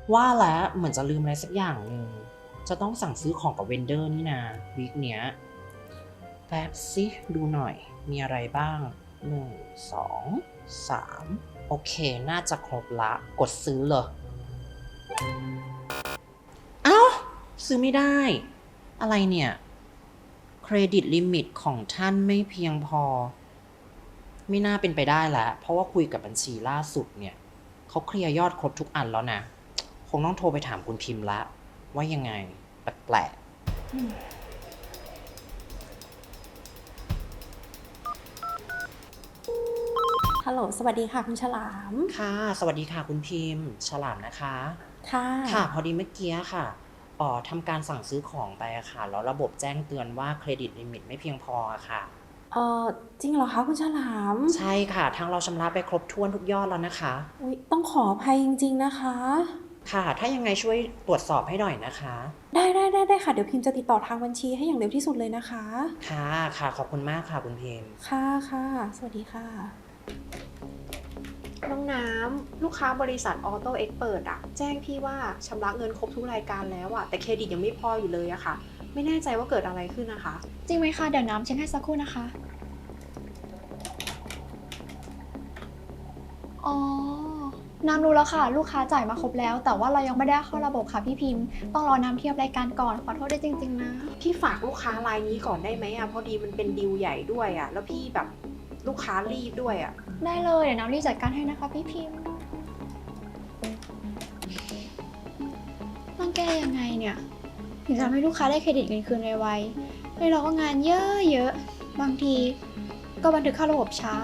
ว่าแล้วเหมือนจะลืมอะไรสักอย่างหนึ่งจะต้องสั่งซื้อของกับเวนเดอร์นี่นาวีคเนี้ยแป๊บสิดูหน่อยมีอะไรบ้าง1 2 3โอเคน่าจะครบละกดซื้อเลยเอ้าซื้อไม่ได้อะไรเนี่ยเครดิตลิมิตของท่านไม่เพียงพอไม่น่าเป็นไปได้แล้วเพราะว่าคุยกับบัญชีล่าสุดเนี่ยเขาเคลียร์ยอดครบทุกอันแล้วนะคงต้องโทรไปถามคุณพิมพ์ละว่ายังไงแปลกฮัลโหลสวัสดีค่ะคุณฉลามๆค่ะสวัสดีค่ะคุณพิมพ์ฉลามนะคะค่ะค่ะพอดีเมื่อกี้ค่ะทำการสั่งซื้อของไปอะค่ะแล้วระบบแจ้งเตือนว่าเครดิตลิมิตไม่เพียงพออะค่ะเอ่อจริงเหรอคะคุณฉลามใช่ค่ะทางเราชำระไปครบถ้วนทุกยอดแล้วนะคะอุ๊ยต้องขออภัยจริงๆนะคะค่ะถ้ายังไงช่วยตรวจสอบให้หน่อยนะคะได้ค่ะเดี๋ยวพิมพ์จะติดต่อทางบัญชีให้อย่างเร็วที่สุดเลยนะคะค่ะค่ะขอบคุณมากค่ะคุณพิมพ์ค่ะสวัสดีค่ะน้องน้ำลูกค้าบริษัทออโต้เอ็กเปิดอะแจ้งพี่ว่าชำระเงินครบทุกรายการแล้วอะแต่เครดิตยังไม่พออยู่เลยอะค่ะ ไม่แน่ใจว่าเกิดอะไรขึ้นนะคะจริงไหมคะ เดี๋ยวน้ำเช็คให้สักครู่นะคะ อ๋อ น้ำรู้แล้วค่ะ ลูกค้าจ่ายมาครบแล้ว แต่ว่าเรายังไม่ได้เข้าระบบค่ะพี่พิมพ์ ต้องรอน้ำเทียบรายการก่อน ขอโทษด้วยจริงๆนะพี่ฝากลูกค้ารายนี้ก่อนได้ไหมอะพอดีมันเป็นดีลใหญ่ด้วยอะแล้วพี่แบบลูกค้ารีบด้วยอะได้เลย เดี๋ยวน้ำรีบจัดการให้นะคะพี่พิมพ์ต้องแก้ยังไงเนี่ยถึงจะทำให้ลูกค้าได้เครดิตเงินคืนไวๆเลยเราก็งานเยอะๆ บางทีก็บันทึกเข้าระบบช้า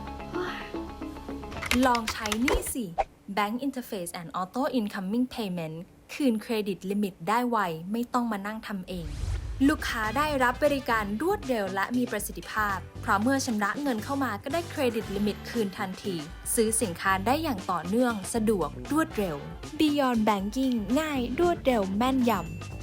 ลองใช้นี่สิ Bank Interface and Auto Incoming Payment คืนเครดิตลิมิตได้ไว ไม่ต้องมานั่งทำเอง ลูกค้าได้รับบริการรวดเร็วและมีประสิทธิภาพ เพราะเมื่อชำระเงินเข้ามาก็ได้เครดิตลิมิตคืนทันที ซื้อสินค้าได้อย่างต่อเนื่อง สะดวก รวดเร็ว Beyond Banking ง่าย รวดเร็ว แม่นยำ